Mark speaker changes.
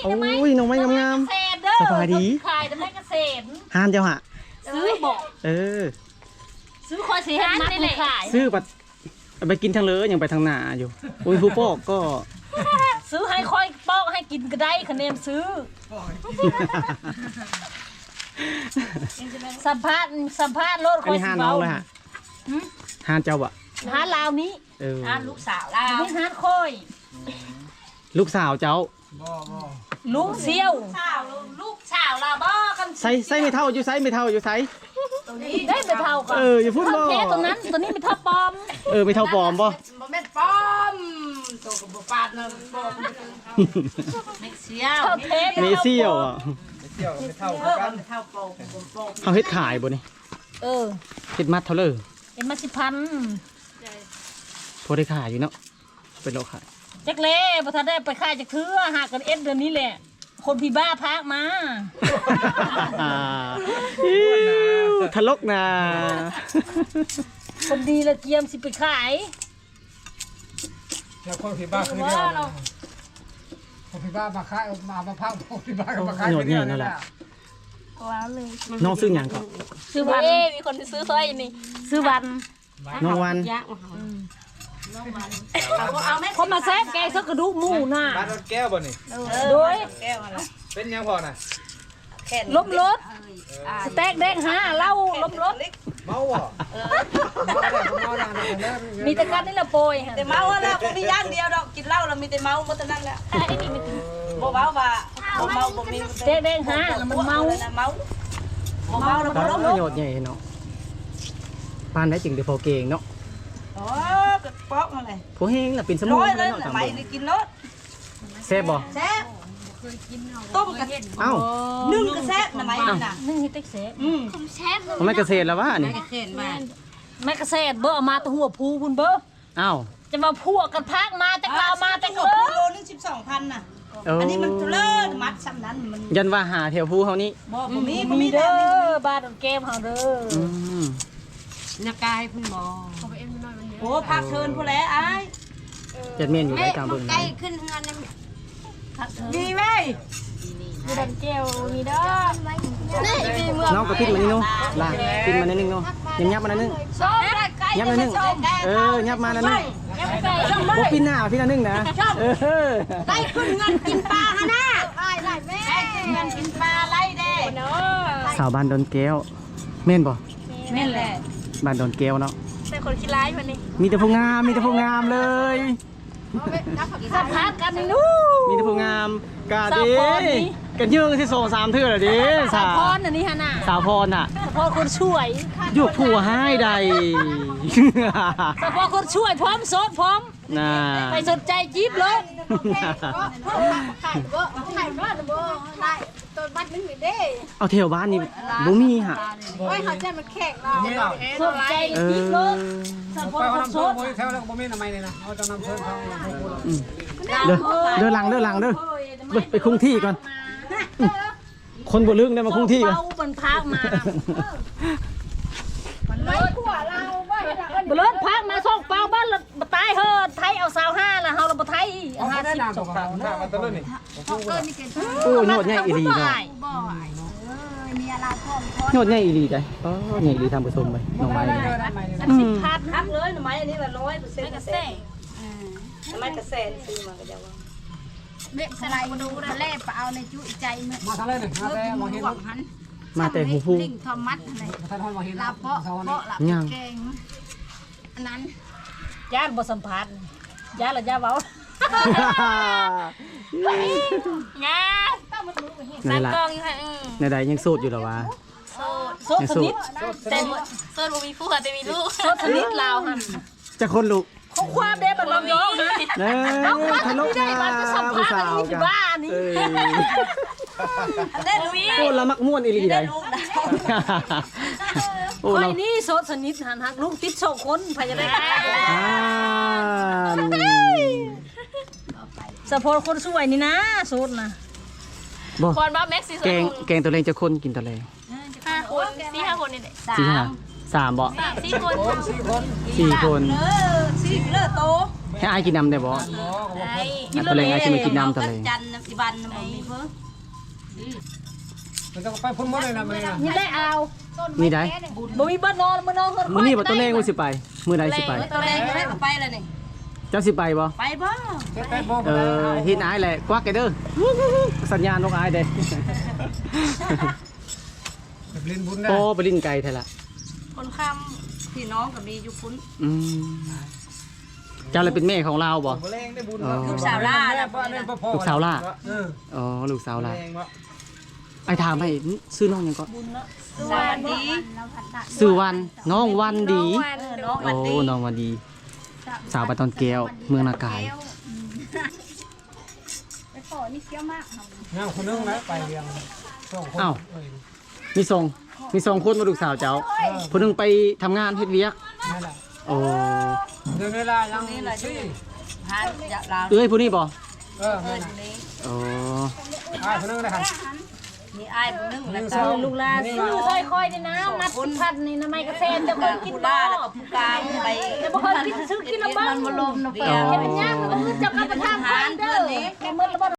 Speaker 1: โอ้ยน้องไม้งามๆสบายดี
Speaker 2: ขายแต่ไม่เกษตร
Speaker 1: หานเจ้าฮะ
Speaker 2: ซื้อบอกซื้อคอยสีฮันนี่แหละ
Speaker 1: ซื้อปัดไปกินทางเลยยังไปทางหน้าอยู่อุ้ยผู้ปอกก็
Speaker 2: ซื้อให้คอยปอกให้กินก็ได้คะแนนซื้อสัมภาษณ์รถคอยสิเบา
Speaker 1: หานเจ้าอะ
Speaker 2: หานลาวนี้หานลูกสาวลาวนี่หานคอย
Speaker 1: ลูกสาวเจ้า
Speaker 2: ลุงเซี่ยวลูกสาวลาวบ่กัน
Speaker 1: ใส่ไม่เท่าอยู่ไซไม่เท่าอยู่ไซ
Speaker 2: ได้ไม่เท่ากัน
Speaker 1: อย่าพูดบ่
Speaker 2: แค่ตัวนั้นตัวนี้ไม่เท่าปอม
Speaker 1: ไม่เท่าปอมบ่
Speaker 2: แม่ปอมตัวกับบ่ปาดนะปอมเม็กเซี่ยว
Speaker 1: ไม่เซี่ยวอ่ะ
Speaker 3: ไม่เท่ากัน
Speaker 2: เท่าปอม
Speaker 1: เขาเฮ็ดขายบ่นี่เฮ็ดมัดเท่าเลย
Speaker 2: เฮ็ดมัด10,000
Speaker 1: พอได้ขายอยู่เนาะเป็นโลขาย
Speaker 2: จักเล่บ่ทันได้ไปขายจักเทื่อหากันเดือนนี้แหละคนพี่บ้าพากมา
Speaker 1: ทะลกนะ
Speaker 2: คนดีละเจียมสิไปขาย
Speaker 3: แล้วคนพี่บ้าคือเดียวคนพี่บ้ามาขายมาพังคนพี่บ้าก็มาขาย
Speaker 1: คนเดียวนั่นแหละ
Speaker 2: ว้าวเลย
Speaker 1: น้องซื้อหยังก่อน
Speaker 2: ซื้อวันมีคนซื้อซอยนี่ซื้อวัน
Speaker 1: น้องวัน
Speaker 2: เขามาแซ่บแกสักกระดูกหมูน่ะ
Speaker 3: บ้านรถแก้วบ่นี่
Speaker 2: โดย
Speaker 3: เป็นยังพอน่ะ
Speaker 2: ล้มรถสเต็กแดง5เหล้าล้มรถ
Speaker 3: เมาอ่ะ
Speaker 2: มีแต่กันนี่ละโปย
Speaker 4: แต่เมาแล้วบ่มีอย่างเดียวดอกกินเหล้าแล้วมีแต่เมาหมดเท่านั้นแหละบ่เมาว่าบ่เมาบ่มี
Speaker 2: สเต็กแดง5แล้วมันเมา
Speaker 4: บ่เมาแล้วบ่ล้มรถ
Speaker 1: ประโยชน์ใหญ่เนาะปานได้จริงเดี๋ยวพอเก่งเนาะ
Speaker 4: อ๋อก็ปอกมาเลย
Speaker 1: พวกเฮงล่ะเป็นสมุน
Speaker 4: ไพรเลยไหมได้กินรส
Speaker 1: แซ่บบ่
Speaker 4: แซ่บต้มกระเทียมนึ่งกระแซ่บนะไหมน่ะ
Speaker 2: นึ่งให้เต็กแซ่บ
Speaker 1: แซ่บไม่กระเซ็ดแล้ววะนี่
Speaker 2: ไม่กระเซ็ดเบ้อมาตะหัวภูพุ่นเบ้อจะมาพวกกันพักมาแต่เรามาแต่ก็
Speaker 4: โลนึง12,000น่ะอันนี้มันเลิศมัดซ้ำนั้นมัน
Speaker 1: ยันว่าหาแถวภูเขานี่
Speaker 4: บ่มี
Speaker 2: เด้อบ้านเกมเฮาเด้อ
Speaker 4: นักกายพุ่นบ่โอ้พักเชิญพุ่นแล้วอ้าย
Speaker 1: จัดเมนอยู่ได้ตามเบิ่ง
Speaker 4: ใกล้ขึ้นงานดีเว้ย
Speaker 2: มีดันเจลมีเด้อ
Speaker 1: น้องก็ปิ้นมานี่นู้ล่ะปิ้นมานิดนึงเนาะยับมานิดนึงยับมานิดนึงยับมานิดนึงพวกปิ้นหน้าปิ้นนิดนึงนะ
Speaker 4: ใกล้ขึ้นงานกินปลาฮะนะได้แม่ขึ้นงานกินปลาไรเด้
Speaker 1: สาวบ้านดอนแก้วเม่นบ่
Speaker 2: แม่นแหละ
Speaker 1: บ้านดอนแก้วเนาะ
Speaker 2: แต่คนขี้ร้ายวันนี้
Speaker 1: มีแต่ผู้งามมีแต่ผู้งามเลย
Speaker 2: สัมภาษณ์กันนู้
Speaker 1: มีแต่ผู้งามกาดีกันยืงที่2-3เทื่อเลยดิ
Speaker 2: สาวพรอันนี้ฮะน่ะ
Speaker 1: สาวพรน่ะ
Speaker 2: สาวพรคนช่วย
Speaker 1: อยู่ผัวให้ใด
Speaker 2: สาวพรคนช่วยพร้อมโสดพร้อมไปสนใจจีบเลย
Speaker 4: ไข่บ่ได้ต้นบัดนึงเด้
Speaker 1: เอาเที่ยวบ้านนี่บ่มีฮะ
Speaker 4: โอ้ยเขาจะมาแข่งเรา
Speaker 2: สนใจจีบเลยสาวพรคนโสด
Speaker 3: แถวแล้วบ่มีทำไมเลยนะเขาจะนำเชิญเขา
Speaker 1: เดินหลังเด้อไปคงที่ก่อนคนบ่ลึกได้มาคงที่ก่อน
Speaker 2: บนพักมาบนรถพักมาส่งเปล่าบ้านเราตายเฮ้อไทยเอา25แล้วเฮาเราบ่ไทย50ส่งเปล่า
Speaker 3: มาตะลุนี่
Speaker 1: โอ้ยโหดใหญ่อีหลีเนาะโหดใหญ่อีหลีได้ใหญ่อีหลีทำผสมไปน้องไม้
Speaker 2: 10,000
Speaker 4: ฮักเลยหน่อไม้อันนี้ละ100%กระแสไม้กระแสซื้อมาก็จะว่า
Speaker 2: เบ็ดสไลด์ดูแล้วแล่ไปเอาในจุใจ
Speaker 3: มาทางเลยนี่มาแต่มองเห็น
Speaker 1: มาแต่หูฟู
Speaker 2: ลิงทอมัสอะไรลาเพาะลาแกงอันนั้นญาติบ่สัมผัสญาติละญาติเว้าญาติ
Speaker 1: นั่นล่ะในใดยังโสดอยู่หรอวะ
Speaker 2: โสดสนิทแต่โสดบ่มีผัวแต่มีลูกโสดสนิทลาวหั่น
Speaker 1: จะคนลูก
Speaker 2: ของความเด้บัดลำยองฮะ
Speaker 1: เอาทะลุนะ
Speaker 2: ผู้สาวนี่บ้านี่
Speaker 4: เล่นวี
Speaker 1: โอ้ละมักม่วนอีหลีได้
Speaker 2: โอ้ยนี่โสดสนิทหันหักลูกติด2คนพยาได้สะโพกคนสวยนี่นะโสดนะ
Speaker 1: คนบ้าแม็กซี่แกงตัวเองจะคนกินตัวเอง
Speaker 2: 5 คน4-5 คนนี่แหละ
Speaker 1: 3บ่
Speaker 2: 4 คน
Speaker 1: 4 คน
Speaker 4: 4เลิศโต
Speaker 1: ให้อายกินน้ำได้บ่ ตะเลงอายสิมากินน้ำตะเลง
Speaker 4: จันทร์อีบันน่ะบ่มีเพิ่น
Speaker 3: มันต้องไปพุ่นหมดเลยนะมันนี่นะ
Speaker 2: นี่ได้เอา
Speaker 1: มีได้
Speaker 2: บ่มีบ่นอนมื้อนอนเพิ่น
Speaker 1: มื้อนี้บ่ตะเลงว่าสิไปมื้อใดสิไป
Speaker 4: ตัวแรงก็ได้ก็ไปแล้วนี่
Speaker 1: เจ้าสิไปบ่
Speaker 4: ไปบ่
Speaker 3: ไปโบก
Speaker 1: เฮ็ดอายแหละกวักไอ้เด้อสัญญาณนกอายเด้
Speaker 3: แบบลิ้นบุญได้
Speaker 1: โอ้ไปลิ้นไก่แท้ละ
Speaker 4: คนค้ำพี่น้องก็มีอยู่พุ่น
Speaker 1: อืมเจ้าเลยเป็นแม่ของเราบ่
Speaker 3: แรงได้บุญ
Speaker 4: ลูกสาวล่าแล้ว
Speaker 1: ลูกสาวล่า
Speaker 3: เออ
Speaker 1: อ๋อลูกสาวล่าไอ้ถามให้ซื้อน้องหยังก็
Speaker 4: สวัสดี
Speaker 1: ซื้อวันน้องวันดี
Speaker 4: น้องวัน
Speaker 1: โอ้
Speaker 4: ดี
Speaker 1: น้องวันดี สาวปะตอนแก้วเมืองนากาย
Speaker 3: งานคนนึงนะไปเรียงสองคน
Speaker 1: อ้าวมีส่งคนมาลูกสาวเจ้าผู้หนึงไปทำงานเฮ็ดเวียก
Speaker 3: นั่นแหละ
Speaker 1: โอ้
Speaker 3: เดินเวลายังซี่
Speaker 4: หาจะลาว
Speaker 1: เอ้ยผู้นี้บ่
Speaker 3: เออ
Speaker 4: นี้
Speaker 1: โอ้
Speaker 3: คนนึงนะครับ
Speaker 4: มีอ้ายผู้นึงแล้วก็
Speaker 2: ลูกหลานซื้อค่อยๆนี่นะมัดพันนี่นะไม้กระเทนจะเคยกิน
Speaker 4: ผู้
Speaker 2: บ่
Speaker 4: ล่าแล้วก็ผู้กลางไป
Speaker 2: จะบ่เคยกินซื้อกินละบ้าง
Speaker 4: มันบ่ลมนะเปีย
Speaker 2: เฮ็ดเป็นย่างมันก็จะกลับไปทาง
Speaker 4: หาร
Speaker 2: เด้
Speaker 4: เพื่
Speaker 2: อ
Speaker 4: อนนี้
Speaker 2: แกมื้อละบ่